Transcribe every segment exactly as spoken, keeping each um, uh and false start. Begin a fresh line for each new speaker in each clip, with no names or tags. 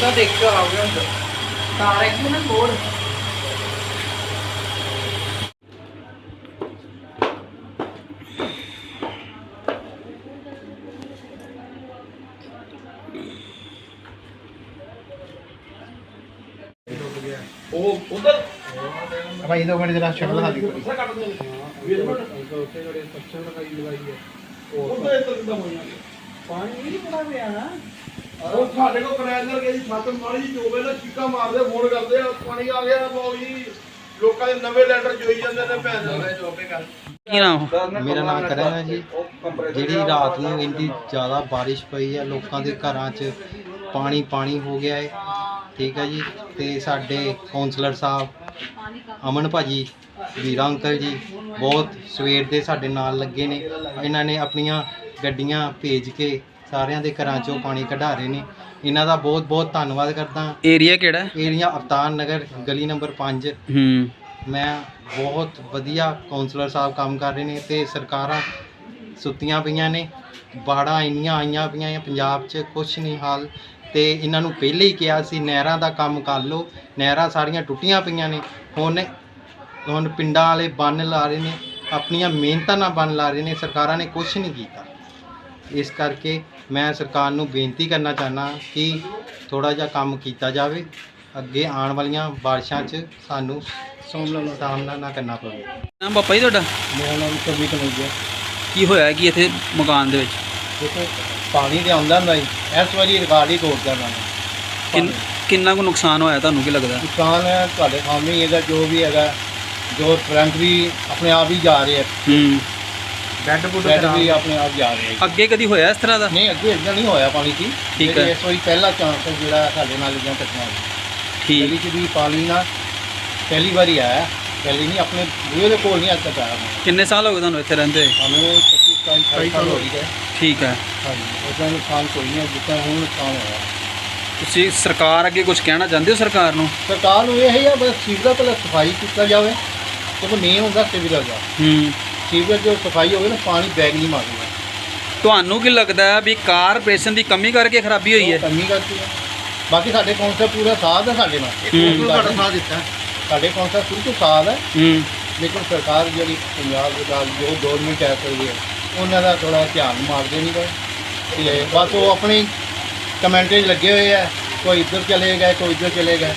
ਤਾਂ ਦੇਖ ਕੇ ਆਓਗੇ ਅੰਦਰ ਕਾਰ ਇੱਕ ਨਾ ਕੋੜ ਉਹ ਉਧਰ
ਭਾਈ ਦੋ ਮਿੰਟ ਜਰਾ ਸ਼ਕਲ ਦਿਖਾ ਦਿਓ
ਉੱਥੇ ਕੱਟ ਦੇ ਵੀਰ ਮਿੰਟ ਉੱਥੇ ਜਿਹੜੇ ਪੱਛਣ ਲਗਾਈ ਲਗਾਈ ਹੈ ਉੱਥੇ ਇੱਧਰ ਕਿੱਦਾਂ ਹੋਈਆਂ ਪਾਣੀ ਨਹੀਂ ਪੜਾ ਪਿਆ ਨਾ ਉਹ ਸਾਡੇ ਕੋਲ ਕਨੈਲਰ ਗਈ ਛੱਤ ਮਾੜੀ ਜੀ ਚੋਵੇ ਨਾ ਚੀਕਾਂ ਮਾਰਦੇ ਫੋਨ ਕਰਦੇ ਆ ਪਾਣੀ ਆ ਗਿਆ ਲੋ ਜੀ ਲੋਕਾਂ ਦੇ ਨਵੇਂ ਲੈਂਡਰ ਜੋਈ ਜਾਂਦੇ ਨੇ ਭੈਣ ਦੇ ਚੋਪੇ ਕਰ
ਕੀ ਨਾਮ?
ਮੇਰਾ ਨਾਮ ਕਰਨ ਹੈ ਜੀ। ਜਿਹੜੀ ਰਾਤ ਨੂੰ ਇੰਨੀ ਜ਼ਿਆਦਾ ਬਾਰਿਸ਼ ਪਈ ਹੈ, ਲੋਕਾਂ ਦੇ ਘਰਾਂ 'ਚ ਪਾਣੀ ਪਾਣੀ ਹੋ ਗਿਆ ਹੈ, ਠੀਕ ਹੈ ਜੀ। ਤੇ ਸਾਡੇ ਕਾਉਂਸਲਰ ਸਾਹਿਬ ਅਮਨ ਭਾਜੀ, ਵੀਰਾ ਅੰਕਲ ਜੀ ਬਹੁਤ ਸਵੇਰ ਦੇ ਸਾਡੇ ਨਾਲ ਲੱਗੇ ਨੇ। ਇਹਨਾਂ ਨੇ ਆਪਣੀਆਂ ਗੱਡੀਆਂ ਭੇਜ ਕੇ ਸਾਰਿਆਂ ਦੇ ਘਰਾਂ 'ਚੋਂ ਪਾਣੀ ਕਢਾ ਰਹੇ ਨੇ। ਇਹਨਾਂ ਦਾ ਬਹੁਤ ਬਹੁਤ ਧੰਨਵਾਦ ਕਰਦਾ।
ਏਰੀਆ ਕਿਹੜਾ?
ਏਰੀਆ ਅਵਤਾਰ ਨਗਰ, ਗਲੀ ਨੰਬਰ ਪੰਜ।
ਹੂੰ
ਮੈਂ ਬਹੁਤ ਵਧੀਆ ਕਾਉਂਸਲਰ ਸਾਹਿਬ ਕੰਮ ਕਰ ਰਹੇ ਨੇ ਤੇ ਸਰਕਾਰਾਂ ਸੁੱਤੀਆਂ ਪਈਆਂ ਨੇ। ਬਾੜਾਂ ਇੰਨੀਆਂ ਆਈਆਂ ਪਈਆਂ ਪੰਜਾਬ 'ਚ, ਕੁਛ ਨਹੀਂ ਹਾਲ। ਤੇ ਇਹਨਾਂ ਨੂੰ ਪਹਿਲੇ ਹੀ ਕਿਹਾ ਸੀ ਨਹਿਰਾਂ ਦਾ ਕੰਮ ਕਰ ਲਓ, ਨਹਿਰਾਂ ਸਾਰੀਆਂ ਟੁੱਟੀਆਂ ਪਈਆਂ ਨੇ। ਹੁਣ ਹੁਣ ਪਿੰਡਾਂ ਵਾਲੇ ਬੰਨ ਲਾ ਰਹੇ ਨੇ, ਆਪਣੀਆਂ ਮਿਹਨਤਾਂ ਨਾਲ ਬੰਨ ਲਾ ਰਹੇ ਨੇ। ਸਰਕਾਰਾਂ ਨੇ ਕੁਛ ਨਹੀਂ ਕੀਤਾ। ਇਸ ਕਰਕੇ ਮੈਂ ਸਰਕਾਰ ਨੂੰ ਬੇਨਤੀ ਕਰਨਾ ਚਾਹੁੰਦਾ ਕਿ ਥੋੜ੍ਹਾ ਜਿਹਾ ਕੰਮ ਕੀਤਾ ਜਾਵੇ, ਅੱਗੇ ਆਉਣ ਵਾਲੀਆਂ ਬਾਰਿਸ਼ਾਂ 'ਚ ਸਾਨੂੰ ਸਾਹਮਣਾ ਨਾ ਕਰਨਾ ਪਵੇ।
ਨਾਮ ਪਾਪਾ ਜੀ ਤੁਹਾਡਾ?
ਮੇਰਾ ਨਾਮ ਕਵੀ ਕਨੌਜੀਆ।
ਕੀ ਹੋਇਆ ਕੀ ਇੱਥੇ ਮਕਾਨ ਦੇ ਵਿੱਚ?
ਦੇਖੋ ਪਾਣੀ ਤੇ ਆਉਂਦਾ ਹੁੰਦਾ ਜੀ, ਇਸ ਵਾਰੀ ਰਿਕਾਰਡ ਹੀ ਤੋੜਦਾ ਮੈਂ।
ਕਿੰਨ- ਕਿੰਨਾ ਕੁ ਨੁਕਸਾਨ ਹੋਇਆ ਤੁਹਾਨੂੰ ਕੀ ਲੱਗਦਾ?
ਨੁਕਸਾਨ ਹੈ ਤੁਹਾਡੇ ਸਾਹਮਣੇ ਹੀ ਹੈਗਾ, ਜੋ ਵੀ ਹੈਗਾ। ਜੋ ਕਰੰਟ ਵੀ ਆਪਣੇ ਆਪ ਹੀ ਜਾ ਰਹੇ ਆ,
ਹੂੰ
ਬੈੱਡ ਬੁੱਡ ਵੀ ਆਪਣੇ ਆਪ ਜਾ ਰਹੇ ਆ।
ਅੱਗੇ ਕਦੀ ਹੋਇਆ ਇਸ ਤਰ੍ਹਾਂ ਦਾ?
ਨਹੀਂ, ਅੱਗੇ ਇੱਦਾਂ ਨਹੀਂ ਹੋਇਆ ਪਾਣੀ ਸੀ।
ਠੀਕ ਹੈ।
ਇਸ ਵਾਰੀ ਪਹਿਲਾ ਚਾਂਸ ਹੈ ਜਿਹੜਾ ਸਾਡੇ ਨਾਲ ਇਦਾਂ ਘਟਨਾ ਹੋਈ।
ਠੀਕ।
ਗਲੀ 'ਚ ਵੀ ਪਾਣੀ ਨਾ ਪਹਿਲੀ ਵਾਰੀ ਆਇਆ, ਪਹਿਲੀ ਨਹੀਂ, ਆਪਣੇ ਬੂਹੇ ਦੇ ਕੋਲ ਨਹੀਂ ਅੱਜ ਤੱਕ ਆਇਆ।
ਕਿੰਨੇ ਸਾਲ ਹੋ ਗਏ ਤੁਹਾਨੂੰ ਇੱਥੇ ਰਹਿੰਦੇ?
ਸਾਨੂੰ ਪੱਚੀ ਸਤਾਈ ਸਾਲ ਹੋ ਗਏ।
ਠੀਕ ਹੈ।
ਹਾਂਜੀ, ਉਹਦਾ ਨੁਕਸਾਨ ਕੋਈ ਨਹੀਂ ਜਿੱਦਾਂ ਹੁਣ ਨੁਕਸਾਨ ਹੋਇਆ।
ਤੁਸੀਂ ਸਰਕਾਰ ਅੱਗੇ ਕੁਝ ਕਹਿਣਾ ਚਾਹੁੰਦੇ ਹੋ ਸਰਕਾਰ ਨੂੰ?
ਸਰਕਾਰ ਨੂੰ ਇਹ ਹੀ ਆ ਬਸ ਸੀਵਰੇਜ ਪਹਿਲਾਂ ਸਫਾਈ ਕੀਤਾ ਜਾਵੇ, ਕਿਉਂਕਿ ਮੇਨ ਹੁੰਦਾ ਸੀਵਰੇਜ ਦਾ।
ਹੂੰ
ਸੀਵਰੇਜ ਜੋ ਸਫਾਈ ਹੋਵੇ ਨਾ, ਪਾਣੀ ਬੈਗ ਨਹੀਂ ਮਾਰੂਗਾ।
ਤੁਹਾਨੂੰ ਕੀ ਲੱਗਦਾ ਹੈ ਵੀ ਕਾਰਪੋਰੇਸ਼ਨ ਦੀ ਕਮੀ ਕਰਕੇ ਖਰਾਬੀ ਹੋਈ ਹੈ?
ਕਮੀ ਕਰਦੀ ਹੈ। ਬਾਕੀ ਸਾਡੇ ਕੌਂਸਲ ਪੂਰਾ ਸਾਥ ਹੈ ਸਾਡੇ ਨਾਲ।
ਹੂੰ।
ਸਾਡਾ ਸਾਥ ਦਿੱਤਾ ਸਾਡੇ ਕੌਂਸਲ ਸ਼ੁਰੂ ਤੋਂ ਸਾਥ ਹੈ।
ਹੂੰ
ਲੇਕਿਨ ਸਰਕਾਰ ਜਿਹੜੀ ਪੰਜਾਬ ਦੇ ਨਾਲ ਜੋ ਗੌਰਮੈਂਟ ਕਹਿ ਸਕਦੀ ਹੈ, ਉਹਨਾਂ ਦਾ ਥੋੜ੍ਹਾ ਧਿਆਨ ਮਾਰਦੇ ਨਹੀਂ ਗਏ। ਤੇ ਬਸ ਉਹ ਆਪਣੀ ਕਮੈਂਟੇਜ ਲੱਗੇ ਹੋਏ ਆ, ਕੋਈ ਇੱਧਰ ਚਲੇ ਗਏ, ਕੋਈ ਇੱਧਰ ਚਲੇ ਗਏ।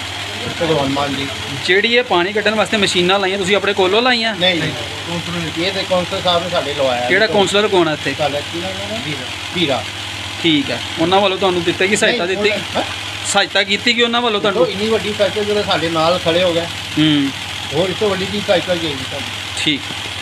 ਭਗਵਾਨ ਮਾਨ ਜੀ
ਜਿਹੜੀ ਇਹ ਪਾਣੀ ਕੱਢਣ ਵਾਸਤੇ ਮਸ਼ੀਨਾਂ ਲਾਈਆਂ ਤੁਸੀਂ ਆਪਣੇ ਕੋਲੋਂ ਲਾਈਆਂ?
ਨਹੀਂ ਨਹੀਂ, ਇਹ ਤੇ ਕੌਂਸਲ ਸਾਹਿਬ ਨੇ ਸਾਡੇ ਲਵਾਇਆ।
ਕਿਹੜਾ ਕਾਉਂਸਲਰ ਕੋਣ ਹੈ ਇੱਥੇ?
ਸਾਡਾ ਕੀ ਨਾਮ ਹੈ? ਵੀਰਾ।
ਠੀਕ ਹੈ। ਉਹਨਾਂ ਵੱਲੋਂ ਤੁਹਾਨੂੰ ਦਿੱਤੀ ਕਿ ਸਹਾਇਤਾ ਦਿੱਤੀ?
ਹੈਂ?
ਸਹਾਇਤਾ ਕੀਤੀ ਕਿ ਉਹਨਾਂ ਵੱਲੋਂ
ਦੇਖੋ,
ਤੁਹਾਨੂੰ?
ਇੰਨੀ ਵੱਡੀ ਫੈਕਟਰੀ ਜਿਹੜੇ ਸਾਡੇ ਨਾਲ ਖੜੇ ਹੋ ਗਏ,
ਹੂੰ
ਹੋਰ ਇਸ ਤੋਂ ਵੱਡੀ ਕੀ ਸਹਾਇਤਾ ਚਾਹੀਦੀ ਸਾਨੂੰ?
ਠੀਕ।